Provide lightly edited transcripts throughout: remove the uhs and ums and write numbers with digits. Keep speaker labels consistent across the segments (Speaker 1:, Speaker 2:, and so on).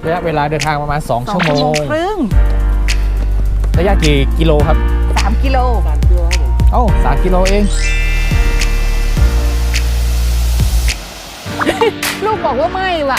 Speaker 1: ระยะเวลาเดินทางประมาณ2 ชั่วโมง
Speaker 2: ครึ่ง
Speaker 1: ระยะกี่กิโลครับ
Speaker 2: 3 กิโล
Speaker 3: 3 กิโลครับผม
Speaker 1: เอ้า3 กิโลเอง
Speaker 2: ลูกบอกว่าไม่ว่ะ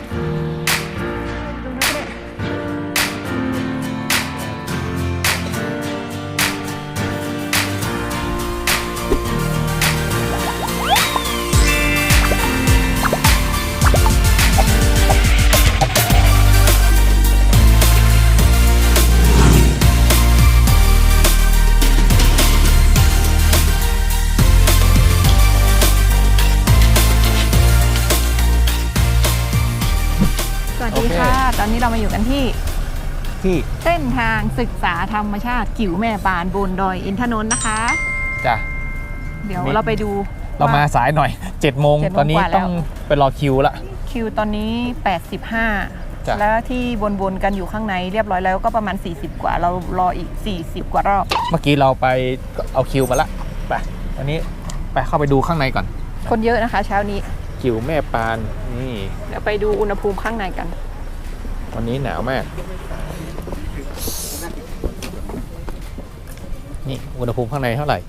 Speaker 2: สวัสดีค่ะ ตอนนี้เรามาอยู่กันที่เส้นทางศึกษาธรรมชาติกิ๋วแม่ปานบนดอยอินทนนท์นะคะ
Speaker 1: จ้ะ
Speaker 2: เดี๋ยวเราไปดู
Speaker 1: เรามาสายหน่อย7 โมงตอนนี้ต้องไปรอคิวละ
Speaker 2: คิวตอนนี้85แล้วที่วนๆกันอยู่ข้างในเรียบร้อยแล้วก็ประมาณ40กว่าเรารออีก40กว่ารอบ
Speaker 1: เมื่อกี้เราไปเอาคิวมาละไปอันนี้ไปเข้าไปดูข้างในก่อน
Speaker 2: คนเยอะนะคะเช้านี้
Speaker 1: กิ๋วแม่ปานนี่
Speaker 2: เดี๋ยวไปดูอุณหภูมิข้างในกัน
Speaker 1: วันนี้หนาวมากนี่อุณหภูมิข้างในเท่าไหร่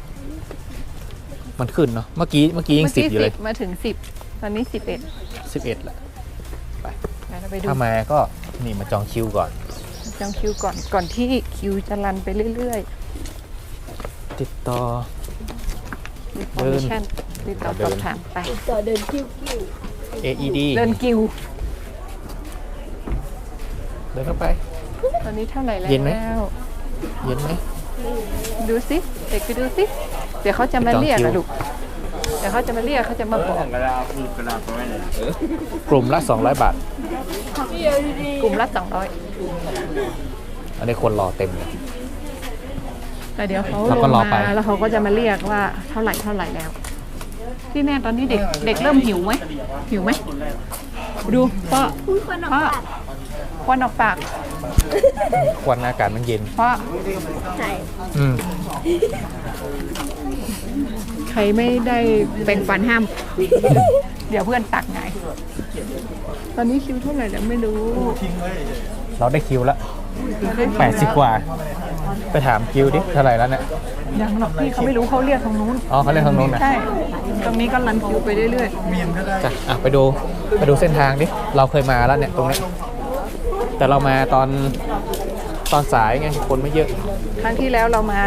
Speaker 1: มันขึ้นเนาะเมื่อกี้ยัง10อยู่เลย
Speaker 2: มาถึง10ตอนนี้11
Speaker 1: ละไป
Speaker 2: เราไปดู
Speaker 1: ถ้ามาก็นี่มาจองคิวก่อน
Speaker 2: จองคิวก่อนที่คิวจะรันไปเรื่อย
Speaker 1: ๆติดต่อเดิน
Speaker 2: ติดต่อสอบถามไป
Speaker 3: ต่อเดินคิว
Speaker 1: AED
Speaker 2: เดินคิว
Speaker 1: เดินเข้าไป
Speaker 2: ตอนนี้เท่าไหร่แล้ว
Speaker 1: เย็นไหม
Speaker 2: ดูสิเด็กไปดูสิเดี๋ยวเขาจะมาเรียกนะลูกเดี๋ยวเขาจะมาเรียกเขาจะมาบอก
Speaker 1: กลุ่มละ200 บาท
Speaker 2: กลุ่มละ200
Speaker 1: อันนี้คนรอเต็มเลย
Speaker 2: แต่เดี๋ยวเขาลงมาแล้วเขาก็จะมาเรียกว่าเท่าไหร่แล้วที่แน่ตอนนี้เด็กเริ่มหิวไหมดูพ่อควันออกปาก
Speaker 1: ควันอากาศมันเย็น
Speaker 2: พ่อ
Speaker 3: ใช่
Speaker 2: ใครไม่ได้แบ่งปันห้ามเดี๋ยวเพื่อนตักไงตอนนี้คิวเท่าไหร่แล้วไม่รู้
Speaker 1: เราได้คิวแล้ว80 กว่าไปถามคิวดิเท่าไหร่แล้วเนี่ย
Speaker 2: ยังหรอกพี่เขาไม่รู้เขาเรียกทางนู้น
Speaker 1: อ๋อเขาเรียกทางนู้นนะ
Speaker 2: ใช่ตรงนี้ก็รันคิวไปเรื่อย
Speaker 1: ๆจ้ะไปดูเส้นทางดิเราเคยมาแล้วเนี่ยตรงนี้แต่เรามาตอนสายไงคนไม่เยอะ
Speaker 2: ครั้งที่แล้วเรามา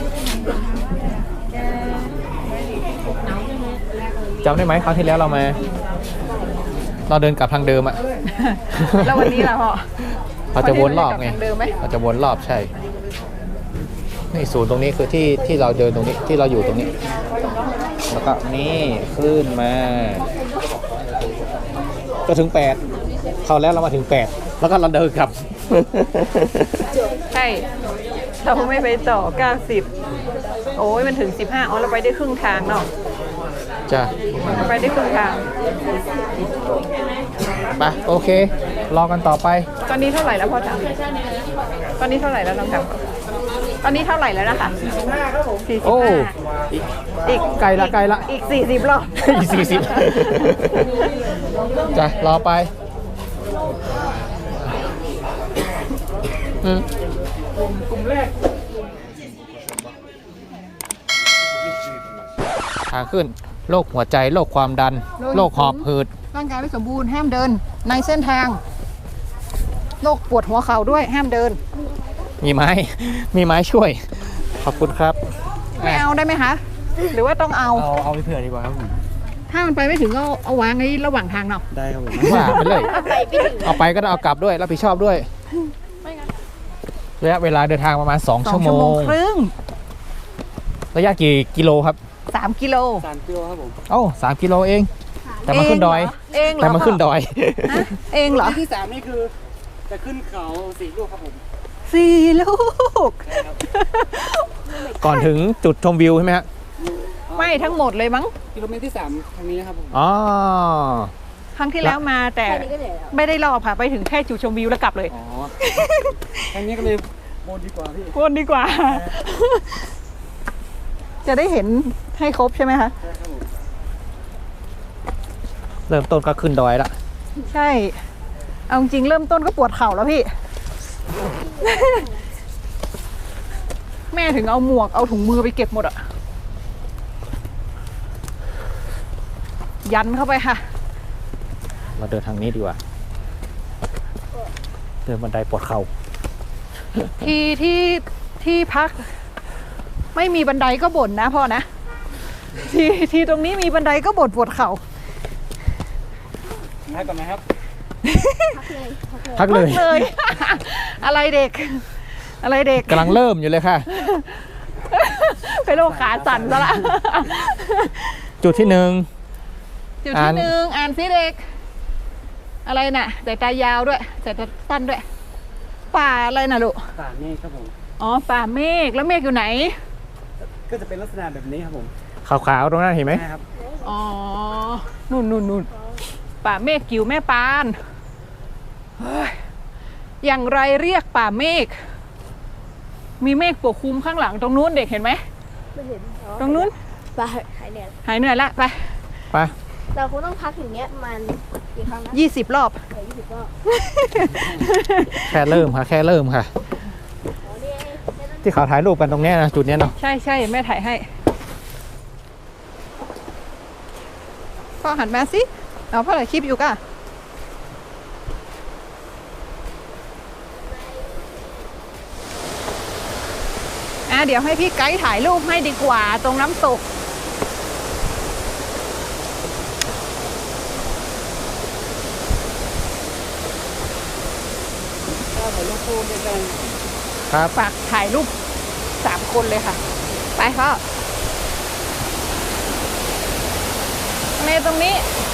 Speaker 1: จำได้ไหมครั้งที่แล้วเราเดินกลับทางเดิมอะ
Speaker 2: แล้ววันนี้ล่ะพ่อ
Speaker 1: เราจะวนรอบไงเราจะวนรอบใช่นี่ศูนย์ตรงนี้คือที่เราเดินตรงนี้ที่เราอยู่ตรงนี้แล้วก็นี่ขึ้นมาก็ถึง8เข้าแล้วเรามาถึง8แล้วก็เราเดินกลับ
Speaker 2: ใช่เราไม่ไปต่อ90โอ้ยมันถึง15อ๋อเราไปได้ครึ่งทางเนาะ
Speaker 1: จ้ะ
Speaker 2: ไปได้ครึ่งทาง
Speaker 1: ไปโอเครอกันต่อไป
Speaker 2: ตอนนี้เท่าไหร่แล้วพ่อจ๋าตอนนี้เท่าไหร่แล้วน้องจ๋าตอนนี้เท่าไหร่แล้วนะคะ
Speaker 3: 45ครับผม
Speaker 1: โอ้อีกไกลละ
Speaker 2: อีก40รอบ
Speaker 1: อีก40จ้ะรอไป
Speaker 3: กลุ่มแรก
Speaker 1: ทางขึ้นโรคหัวใจโรคความดันโรคหอบหืด
Speaker 2: ร่างกายไม่สมบูรณ์ห้ามเดินในเส้นทางโรคปวดหัวเข่าด้วยห้ามเดิน
Speaker 1: มีไม้ช่วยขอบคุณครับ
Speaker 2: ไม่เอาได้ไหมคะหรือว่าต้องเอา
Speaker 1: ไปเผื่อดีกว่าครับผม
Speaker 2: ถ้ามันไปไม่ถึงก็เอาวางไว้ระหว่างทางเนาะ
Speaker 1: ได้ครับผมว่าไปเลยเอาไปก็ต้องเอากลับด้วยรับผิดชอบด้วยระยะเวลาเดินทางประมาณ2 ชั่วโมง
Speaker 2: ครึ่ง
Speaker 1: ระยะกี่กิโลครับ
Speaker 2: 3 กิโล
Speaker 3: ครับผม
Speaker 1: เอ้า3 กิโลเองแต่มาขึ้นดอย
Speaker 2: แต่
Speaker 1: มาขึ้นดอย
Speaker 2: เองเหรอ
Speaker 3: ที่3นี่คือจะขึ้นเขา4 ลูกครับผม
Speaker 2: 4 ลูก
Speaker 1: ก่อนถึงจุดชมวิวใช่ไหมฮะ
Speaker 2: ไม่ทั้งหมดเลยมั้ง
Speaker 3: กิโลเมตรที่3ทางนี้ครับผม
Speaker 1: อ๋อ
Speaker 2: ครั้งที่แล้วมาแต่ไม่ได้รอบค่ะไปถึงแค่จุดชมวิวแล้วกลับเลย
Speaker 3: อ๋อครั้งนี้ก็เลยวนดีกว่าพี่
Speaker 2: วนดีกว่าจะได้เห็นให้ครบใช่ไหมคะ
Speaker 1: เริ่มต้นก็ขึ้นดอยละ
Speaker 2: ใช่เอาจริงเริ่มต้นก็ปวดเข่าแล้วพี่ แม่ถึงเอาหมวกเอาถุงมือไปเก็บหมดอะยันเข้าไปค่ะ
Speaker 1: เราเดินทางนี้ดีกว่า เดินบันไดปวดเข่า
Speaker 2: ที่พัก ไม่มีบันไดก็บ่นนะพ่อนะที่ตรงนี้มีบันไดก็บ่นปวดเข่า
Speaker 3: พักก่อนไหมครับ
Speaker 1: พักเลย
Speaker 2: เลย อะไรเด็ก อะไรเด็ก
Speaker 1: กำลังเริ่มอยู่เลยค่ะ
Speaker 2: ไปโรคขาสั่นซะละ
Speaker 1: จุดที่หนึ่ง
Speaker 2: จุดที่หนึ่งอ่านซิเด็ก อะไรน่ะสายตายาวด้วยสายตาสั้นด้วย ป่าอะไรน่ะลูก
Speaker 3: ป่าเมฆครับผม
Speaker 2: อ๋อป่าเมฆแล้วเมฆอยู่ไหน
Speaker 3: ก็จะเป็นลักษณะแบบนี้ครับผม
Speaker 1: ขาวๆตรงนั้นเห็นไหม
Speaker 3: ใช่ครับ
Speaker 2: อ๋อนู่นป่าเมฆกิ๋วแม่ปานเฮ้ยอย่างไรเรียกป่าเมฆมีเมฆปกคลุมข้างหลังตรงนู้นเด็กเห็นไหม
Speaker 4: ไม่เห็น
Speaker 2: ตรงนู้น
Speaker 4: ไปหายเหนื่อย
Speaker 2: หายเหนื่อยละไป
Speaker 1: ไป
Speaker 4: เราคงต้องพักอย่างเงี้ยมันกี่ครั้งนะ
Speaker 2: 20 รอบ
Speaker 4: 20 รอบ
Speaker 1: แค่เริ่มค่ะ แค่เริ่มค่ะ
Speaker 4: อ๋อนี่ไง
Speaker 1: ที่เขาถ่ายรูปกันตรงเนี้ยนะจุดเนี้ยเนาะ
Speaker 2: ใช่แม่ถ่ายให้พ่อหันมาสิเอาพ่อถ่ายคลิปอยู่ก่ะเดี๋ยวให้พี่ไกด์ถ่ายรูปให้ดีกว่าตรงน้ำตก
Speaker 3: ถ้าผมลงโฟมในการ
Speaker 1: ครับ
Speaker 2: ฝากถ่ายรูป3 คนเลยค่ะ ไปพ่อในตรงนี้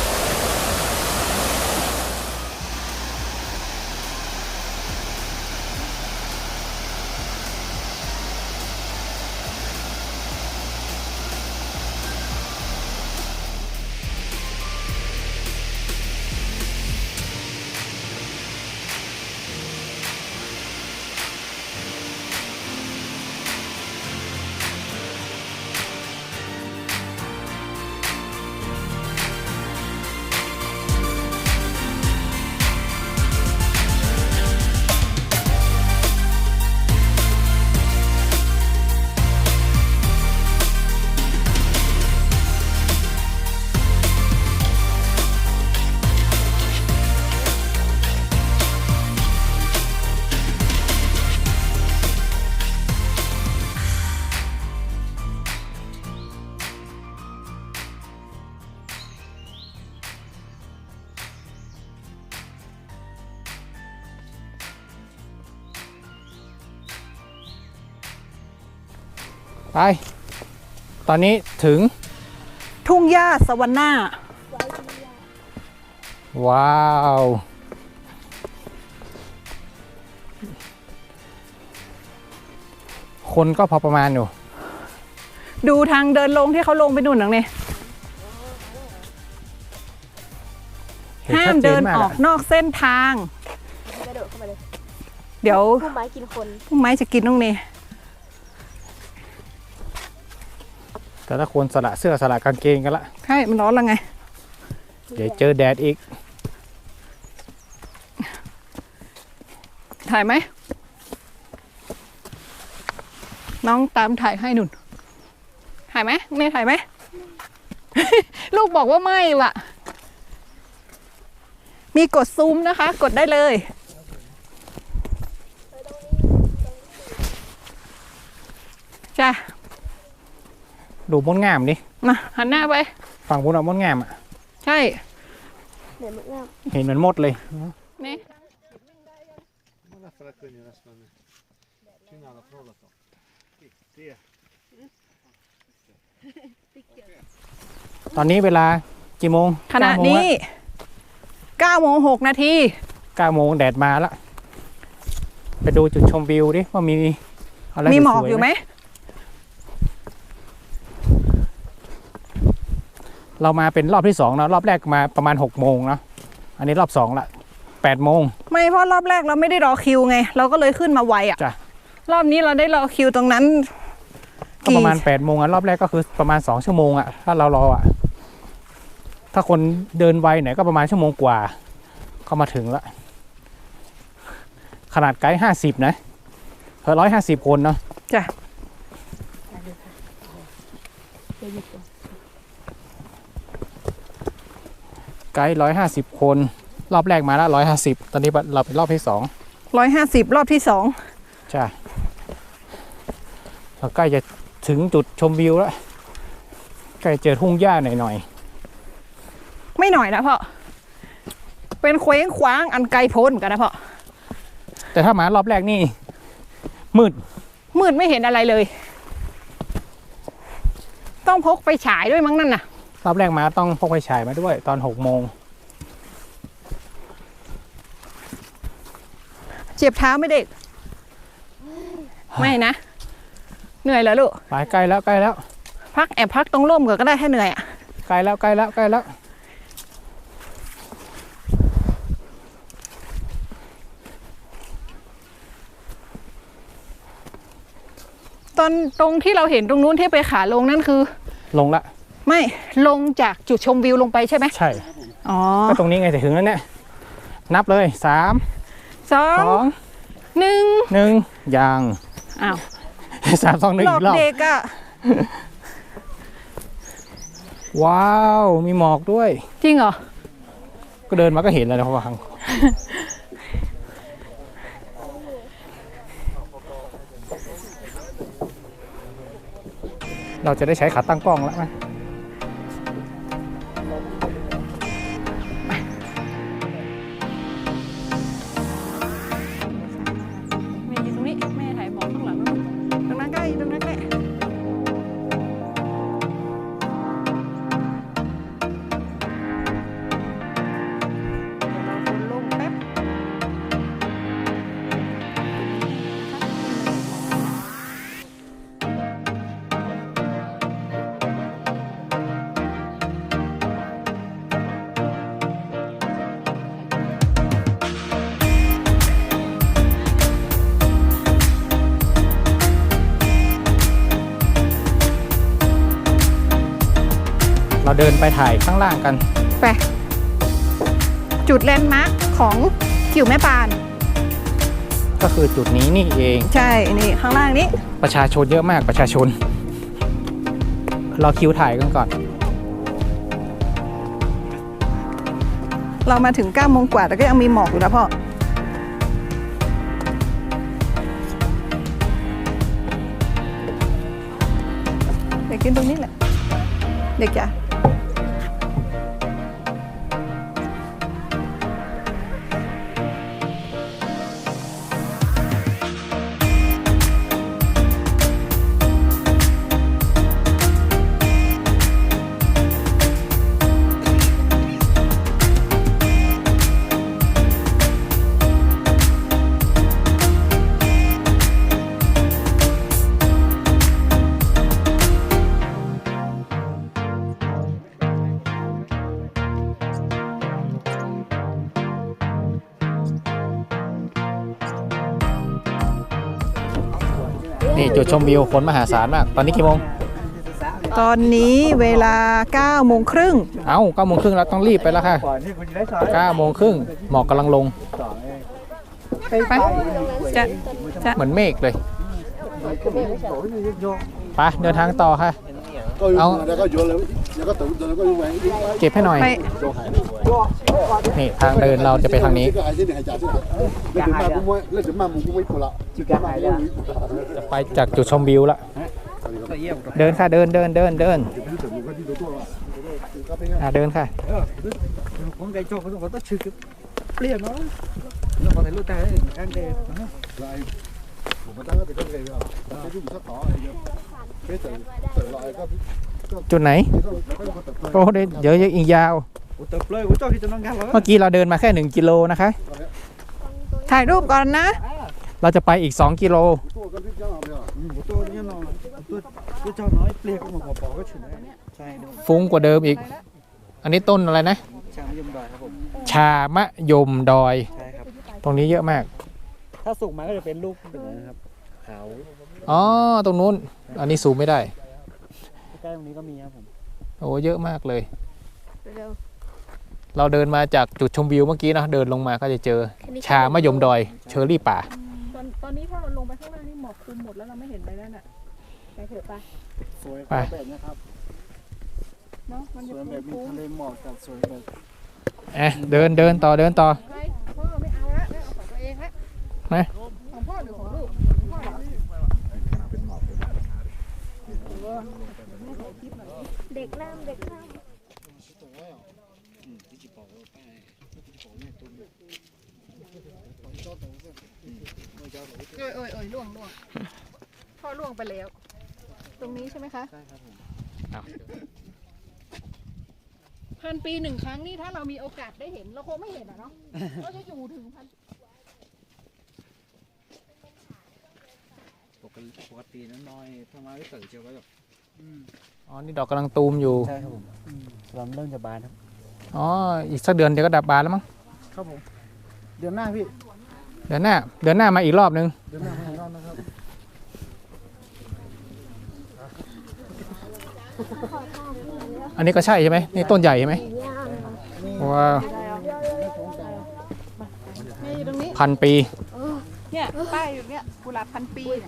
Speaker 1: ไป ตอนนี้ถึง
Speaker 2: ทุ่งหญ้าสวรรค์หน้า
Speaker 1: ว้าว คนก็พอประมาณอยู่
Speaker 2: ดูทางเดินลงที่เขาลงไปนู่นหนังเนี่ย
Speaker 1: เห็น
Speaker 2: ห้า
Speaker 1: ชั
Speaker 2: ม
Speaker 1: ดเจ
Speaker 2: เดิ
Speaker 1: น
Speaker 2: น
Speaker 1: มาก
Speaker 2: ออกนอกเส้นทาง
Speaker 4: กระโดดเข้ามาเลย
Speaker 2: เดี๋ยว
Speaker 4: ผู้ไม้กินคน
Speaker 2: พุ่มไม้จะกินตรงนี้
Speaker 1: แต่ถ้าคนสละเสื้อสละกางเกงกันละ
Speaker 2: ใช่มันร้อนแล้วไง
Speaker 1: เดี๋ยวเจอแดดอีก
Speaker 2: ถ่ายไหม น้องตามถ่ายให้หนุนถ่ายไหมเมย์ถ่ายไหม ลูกบอกว่าไม่ว่ะ มีกดซูมนะคะ กดได้เลย จ้ะ
Speaker 1: ดูมดงามดิ
Speaker 2: มาหันหน้าไป
Speaker 1: ฝั่งบนเอามดงามอ่ะ
Speaker 2: ใช่
Speaker 4: เหนื่อยมาก
Speaker 1: เห็นเหมือนมดเลย
Speaker 2: นี่
Speaker 1: ตอนนี้เวลากี่โมง
Speaker 2: ขณะนี้9 โมง 6 นาที
Speaker 1: 9 โมงแดดมาแล้ว ไปดูจุดชมวิวดิว่ามีอะไร
Speaker 2: มีหมอก
Speaker 1: สวๆ
Speaker 2: อยู่ไหม
Speaker 1: เรามาเป็นรอบที่2นะรอบแรกมาประมาณ6 โมงนะอันนี้รอบ2ละ8 โมง
Speaker 2: ไม่เพราะรอบแรกเราไม่ได้รอคิวไง เราก็เลยขึ้นมาไวอ่ะ
Speaker 1: จ้ะ
Speaker 2: รอบนี้เราได้รอคิวตรงนั้น
Speaker 1: ก็ประมาณ8 โมงอ่ะรอบแรกก็คือประมาณ2 ชั่วโมงอ่ะถ้าเรารออ่ะถ้าคนเดินไวหน่อยก็ประมาณ1 ชั่วโมงกว่าก็มาถึงละขนาดไกด์50นะเธอ150 คนเนาะ
Speaker 2: จ้ะ
Speaker 1: ไกด์150 คน รอบแรกมาแล้ว150ตอนนี้เราเป็นรอบที่2
Speaker 2: 150 รอบที่
Speaker 1: ใช่เราใกล้จะถึงจุดชมวิวแล้วใกล้เจอทุ่งหญ้าหน่อย
Speaker 2: 2ไม่หน่อยนะพ่อเป็นเคว้งคว้างอันไกลโพ้นกันนะพ่อ
Speaker 1: ๆแต่ถ้ามารอบแรกนี่มืด
Speaker 2: มืดไม่เห็นอะไรเลย ต้องพกไปฉายด้วยมั้งนั่นน่ะ
Speaker 1: รอบแรกมาต้องพกไฟฉายมาด้วยตอน6 โมง
Speaker 2: เจ็บเท้าไหม่เด็ก ไม่นะ เหนื่อยแล้วลูก
Speaker 1: ไปใกล้แล้วใกล้แล้ว
Speaker 2: พักแอบพักตรงร่มก็ได้ให้เหนื่อยอ่ะ
Speaker 1: ใกล้แล้วใกล้แล้วใกล้แล้ว
Speaker 2: ตอนตรงที่เราเห็นตรงนู้นที่ไปขาลงนั่นคือ
Speaker 1: ลงละ
Speaker 2: ไม่ลงจากจุดชมวิวลงไปใช่ไหม
Speaker 1: ใช่
Speaker 2: อ๋อ
Speaker 1: ก็ตรงนี้ไงแต่ถึงแล้วเนี่ยนับเลย3
Speaker 2: 2
Speaker 1: 2
Speaker 2: 1
Speaker 1: 1ยัง
Speaker 2: อ้าว
Speaker 1: 3 2 1
Speaker 2: หล
Speaker 1: อี
Speaker 2: อก
Speaker 1: กรอบ
Speaker 2: เด็กอ่ะ
Speaker 1: ว้าวมีหมอกด้วย
Speaker 2: จริงเหรอ
Speaker 1: ก็เดินมาก็เห็นแล้วนะเพราะว่าเราจะได้ใช้ขาตั้งกล้องแล้วไหม
Speaker 2: แม่ยืนตรงนี้แม่ถ่ายหมอกข้างหลังนู่นตรงนั้นใกล้ตรงนั้นใกล้ลงแป๊บ
Speaker 1: เราเดินไปถ่ายข้างล่างกัน
Speaker 2: ไปจุดแลนด์มาร์คของกิ่วแม่ปาน
Speaker 1: ก็คือจุดนี้นี่เอง
Speaker 2: ใช่ นี่ ข้างล่างนี้
Speaker 1: ประชาชนเยอะมากประชาชน เราคิวถ่ายกันก่อน
Speaker 2: เรามาถึง9 โมงกว่าแต่ก็ยังมีหมอกอยู่นะพ่อ เด็กกินตรงนี้แหละ เด็กจ้ะ
Speaker 1: นี่จุดชมวิวคนมหาศาลมาก ตอนนี้กี่โมง
Speaker 2: ตอนนี้เวลา9 โมงครึ่ง
Speaker 1: เอ้า9 โมงครึ่งแล้วต้องรีบไปแล้วค่ะ
Speaker 3: ก่อนที่คุณจะได้สอน
Speaker 1: 9 โมงครึ่งหมอกกำลังลง
Speaker 2: ไปจะจะ
Speaker 1: เหมือนเมฆเลยไปเดินทางต่อค่ะ เอาเก็บให้หน่อย
Speaker 2: ไป
Speaker 1: นี่ทางเดินเราจะไปทางนี้ จะไปจากจุดชมวิวละเดินค่ะเดินเดินเดินเดินค่ะ
Speaker 3: ผมไก่โจ้ผมต้องชื่อเปลี่ยนเนาะเราขอถ่ายรูปแต่อันเดียว
Speaker 1: จุดไหนโอ้เดี๋ยวอีกยาว
Speaker 3: ผมเติบเลยผมชอบที่จะนั่งกันเหรอ
Speaker 1: เมื่อกี้เราเดินมาแค่1 กิโลนะคะ
Speaker 2: ถ่ายรูปก่อนนะ
Speaker 1: เราจะไปอีก2 กิโล
Speaker 3: ตัวนี้เนาะตัวเจ้าน้อยเปลี่ยนก็มาปอก็ฉุนใช่
Speaker 1: ฟุ้งกว่าเดิมอีก อันนี้ต้นอะไรนะ
Speaker 3: ชามยมดอยครับผม
Speaker 1: ชามะยมดอย
Speaker 3: ใช่ครับ
Speaker 1: ตรงนี้เยอะมาก
Speaker 3: ถ้าสุกมาก็จะเป็นลูกเป็นนะครับขาว
Speaker 1: อ๋อ ตรงนู้น อันนี้ซูมไม่ได้
Speaker 3: ใกล้ตรงนี้ก็มีครับผม
Speaker 1: โอ้เยอะมากเลยเราเดินมาจากจุดชมวิวเมื่อกี้นะเดินลงมาก็จะเจอชามะยมดอยเชอร์รี่ป่า
Speaker 2: ตอนนี้ถ้าเราลงไปข้างล่างนี่หมอกคลุมหมดแล้วเราไม่เห็นอะไรแล้วน่ะไปเถอะไป
Speaker 3: สวย
Speaker 1: ไป
Speaker 3: แบบนี้ครับ
Speaker 2: เนาะมัน
Speaker 3: ส
Speaker 2: จะ
Speaker 3: วยแบบมี
Speaker 2: คุ้ม
Speaker 3: ทะเลหมอกกับสวยแบบ
Speaker 1: เดินต่อ
Speaker 2: ๆไปพ่อไม่เอาละไม่เอาของตัวเองละ
Speaker 1: นะ
Speaker 2: ของพ่อหรือของลูกของพ่อเหรอ
Speaker 4: เด็กน้ำเด็กน้
Speaker 2: เอ้ยล่วงพ่อล่วงไปแล้ว ตรงนี้ใช่ไหมคะ
Speaker 3: ใช่ครับผม
Speaker 2: 1,000 ปีหนึ่งครั้งนี่ถ้าเรามีโอกาสได้เห็นเราคงไม่เห็นอ่ะเนาะเราจะอยู่ถึงพัน
Speaker 3: ปกติน้อยๆถ้ามาไม่เติบเชียวก็แบบ
Speaker 1: อ๋อนี่ดอกกำลังตูมอยู่
Speaker 3: ใช่ครับผมลำเริ่มจะบานครับ
Speaker 1: อ๋ออีกสักเดือนเดี๋ยวก็ดับบานแล้วมั้ง
Speaker 3: ครับผมเดือนหน้าพี่
Speaker 1: เดือนหน้ามาอีกรอบนึง
Speaker 3: เดือนหน้ามาอีกรอบนะครับ
Speaker 1: อันนี้ก็ใช่ใช่ไหมนี่ต้นใหญ่ใช่ไหม
Speaker 4: ำย่าง
Speaker 1: ว้าว
Speaker 2: นี่อยู่ตรงนี้
Speaker 1: 1,000 ปี
Speaker 2: เนี่ยป้ายอยู่เนี่ยกุหลาบพันปีเนี่ย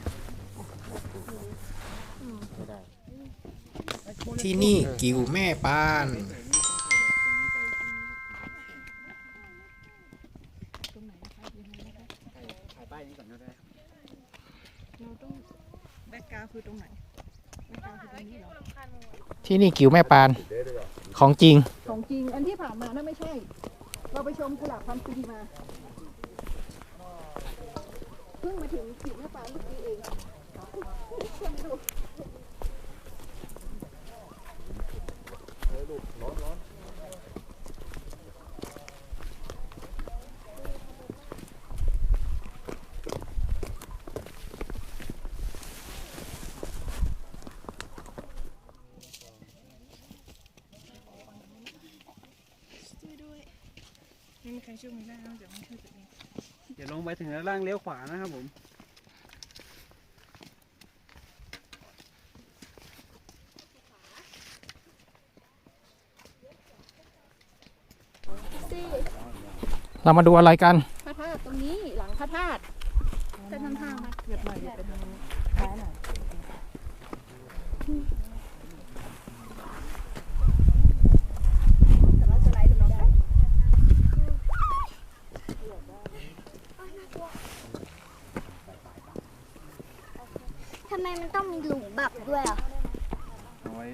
Speaker 1: ที่นี่กิวแม่ปาน
Speaker 3: ถ่ายป้ายนี้ก่อนก็ได้
Speaker 2: เราต้องแบ็กกราวด์คือตรงไหนแบ็กกราวด์คือตรงนี้เหรอ
Speaker 1: ที่นี่กิวแม่ปานของจริง
Speaker 2: ของจริงอันที่ผ่านมานั่นไม่ใช่ เราไปชมกุหลาบพันปีมาเพิ่งมาถึงกิวแม่ปานเมื่อกี้เองคนดู ไม่มีใครช่วยมึงได้นอกจากมึงช่วยตัวเอง
Speaker 3: เดี๋ยวลงไปถึงด้านล่างเลี้ยวขวานะครับผม
Speaker 4: สิ
Speaker 1: เรามาดูอะไรกัน
Speaker 2: พระธาตุตรงนี้หลังพระธาตุจะทำทางมาเหยียบหน่อยเหยียบไปทางนี้ซ้ายหน่อยแต่ว่าสไลด์ตรงนี้ได้
Speaker 4: ทำไมมันต้องมีหลุมบักด้วยอ่ะ
Speaker 3: เอาไว้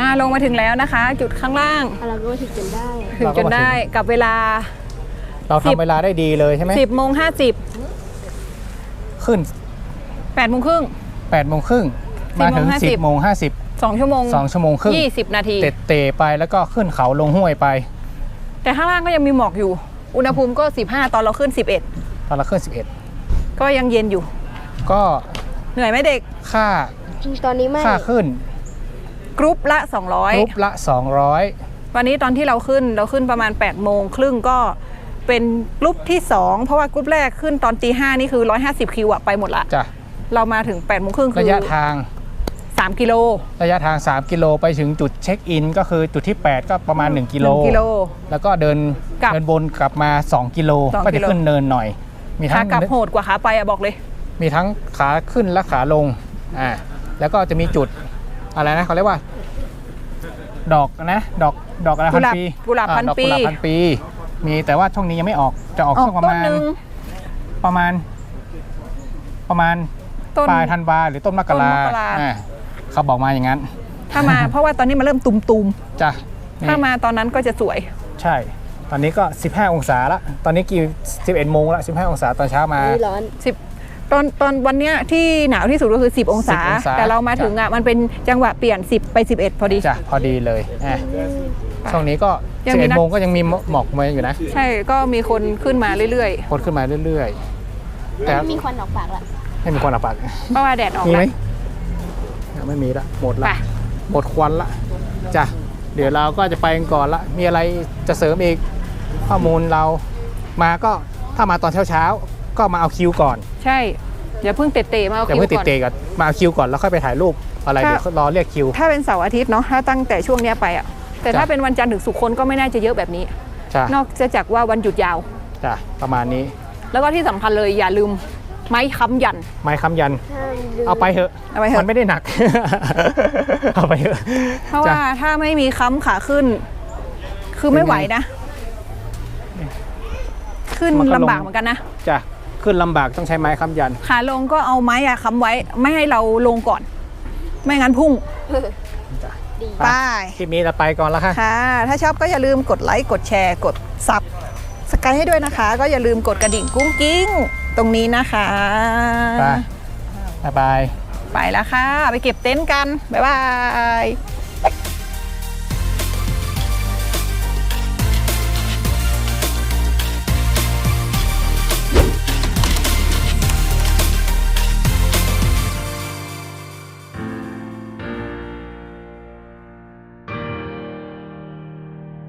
Speaker 2: ลงมาถึงแล้วนะคะ จุดข้างล่าง
Speaker 4: เราก็ถึงจนได้
Speaker 2: ถึงจนได้กับเวลา
Speaker 1: เราทำเวลาได้ดีเลยใช่ไหม
Speaker 2: 10:50
Speaker 1: ขึ้น
Speaker 2: 8:30
Speaker 1: 8 โมงครึ่งมาถึง 10 โมง 50
Speaker 2: 2 ชั่วโมง
Speaker 1: 2 ชั่วโมงครึ่ง
Speaker 2: 20 นาที
Speaker 1: เตะไปแล้วก็ขึ้นเขาลงห้วยไป
Speaker 2: แต่ข้างล่างก็ยังมีหมอกอยู่ อุณหภูมิก็ 15 ตอนเราขึ้น
Speaker 1: ตอนเราขึ้น
Speaker 2: 11 ก็ยังเย็นอยู่
Speaker 1: 11 ก็
Speaker 2: เหนื่อยไหมเด็ก
Speaker 1: ค่า
Speaker 4: จริงตอนนี้ไม่
Speaker 1: ค่าขึ้น
Speaker 2: กรุ๊ปละ
Speaker 1: กรุ๊ปละ
Speaker 2: 200 วันนี้ตอนที่เราขึ้นประมาณ 8:30 ก็เป็นกรุ๊ปที่ 2 เพราะว่ากรุ๊ปแรกขึ้นตอนตี 5 นี่คือ 150 คิวอะไปหมดละ
Speaker 1: 200จ้ะ
Speaker 2: เรามาถึง 8:30 คือ
Speaker 1: ระยะทาง
Speaker 2: 3 กิโล
Speaker 1: 3 กิโลไปถึงจุดเช็คอินก็คือจุดที่ 8 ก็ประมาณ 1 กิโล
Speaker 2: 1 กิโล
Speaker 1: แล้วก็เดิน
Speaker 2: กลับ
Speaker 1: วนกลับมา 2 กิโล
Speaker 2: 2
Speaker 1: ก็จะ
Speaker 2: กิโล
Speaker 1: ขึ้นเนินหน่อย มี
Speaker 2: ขา
Speaker 1: ทั้ง
Speaker 2: กลับโหดกว่าขาไปอะบอกเลย
Speaker 1: มีทั้งขาขึ้นและขาลงแล้วก็จะมีจุดอะไรนะเขาเรียกว่า ดอกนะดอกอะไรพันปี
Speaker 2: กุหลาบพันปี
Speaker 1: ดอกกุหลาบพันปี มีแต่ว่าช่วงนี้ยังไม่ออกจะออก
Speaker 2: ออ
Speaker 1: ช่
Speaker 2: ก
Speaker 1: วงประ
Speaker 2: ต้น
Speaker 1: มาณ
Speaker 2: หนึ่ง
Speaker 1: ประมาณ
Speaker 2: ต้น
Speaker 1: ปลายธันวาหรือต้นมกรา
Speaker 2: ต้นมกรา
Speaker 1: เขาบอกมาอย่างนั้น
Speaker 2: ถ้ามา เพราะว่าตอนนี้มันเริ่มตุม
Speaker 1: จ้ะ
Speaker 2: ๆ
Speaker 1: นี่
Speaker 2: ถ้ามาตอนนั้นก็จะสวย
Speaker 1: ใช่ ตอนนี้ก็ 15 องศาละตอนนี้กี่11 โมงละ15 องศาตอนเช้ามา
Speaker 4: ร้อน
Speaker 2: ตอนวันเนี้ยที่หนาวที่สุดก็คือ 10 องศา
Speaker 1: 10 องศา
Speaker 2: แต่เรามาถึงอ่ะมันเป็นจังหวะเปลี่ยน 10 ไป 11 พอดี
Speaker 1: จ้ะพอดีเลยช่วงนี้ก็
Speaker 2: ยังมีนัก
Speaker 1: 11 โมงก็ยังมีหมอกมาอยู่นะ
Speaker 2: ใช่ก็มีคนขึ้นมาเรื่อย
Speaker 1: คนขึ้นมาเรื่อยๆ แต่
Speaker 4: มีควันออกปากละ
Speaker 1: ไม่มีควันอับปาก
Speaker 2: ๆ เพราะว่าแดดออก
Speaker 1: มีไหม
Speaker 2: แล้ว
Speaker 1: ไม่มีละหมดละ
Speaker 2: ไป
Speaker 1: หมดควันละจ้ะเดี๋ยวเราก็จะไปกันก่อนละมีอะไรจะเสริมอีกข้อมูลเรามาก็ถ้ามาตอนเช้าๆก็มาเอาคิวก่อน
Speaker 2: ใช่อย่าเพิ่งเตะๆมาเอา
Speaker 1: อย่า
Speaker 2: คิว
Speaker 1: เพิ่งติด
Speaker 2: ก่อน
Speaker 1: เตะกันมาเอาคิวก่อนแล้วค่อยไปถ่ายรูปอะไร
Speaker 2: ถ้า
Speaker 1: เดี๋ยวรอเรียกคิว
Speaker 2: ถ้าเป็นเสาร์อาทิตย์เนาะถ้าตั้งแต่ช่วงเนี้ยไปอ่ะแต่ถ้า
Speaker 1: จ้ะ
Speaker 2: เป็นวันจันทร์ถึงศุกร์คนก็ไม่น่าจะเยอะแบบนี้
Speaker 1: จ้ะ
Speaker 2: นอกจากว่าวันหยุดยาว
Speaker 1: จ้ะประมาณนี้
Speaker 2: แล้วก็ที่สำคัญเลยอย่าลืมไม้ค้ำยัน
Speaker 1: ไม้ค้ำยัน
Speaker 4: ห้ามลืม
Speaker 1: เอาไปเถอะ
Speaker 2: เอาไปเถอะ
Speaker 1: มันไม่ได้หนัก เอาไปเถอะ
Speaker 2: เพราะ
Speaker 1: จ้ะ
Speaker 2: ว่าถ้าไม่มีค้ำขาขึ้น คือไม่ไหวนะ ขึ้น
Speaker 1: มันก็ลง
Speaker 2: ลำบากเหมือนกันนะ
Speaker 1: จ้ะขึ้นลำบากต้องใช้ไม้ค้ำยัน
Speaker 2: ขาลงก็เอาไม้อะค้ำไว้ ไม่ให้เราลงก่อน ไม่งั้นพุ่ง
Speaker 1: จ้ะ
Speaker 2: ไป
Speaker 1: คลิปนี้เราไปก่อนแล้วค่ะ
Speaker 2: ค่ะ ถ้าชอบก็อย่าลืมกดไลค์กดแชร์กดซับสไครต์ให้ด้วยนะคะ ก็อย่าลืมกดกระดิ่งกุ้งกิ้งตรงนี้นะคะ
Speaker 1: ไปบ๊ายบาย
Speaker 2: ไปแล้วค่ะ ไปเก็บเต็นท์กัน บ๊ายบาย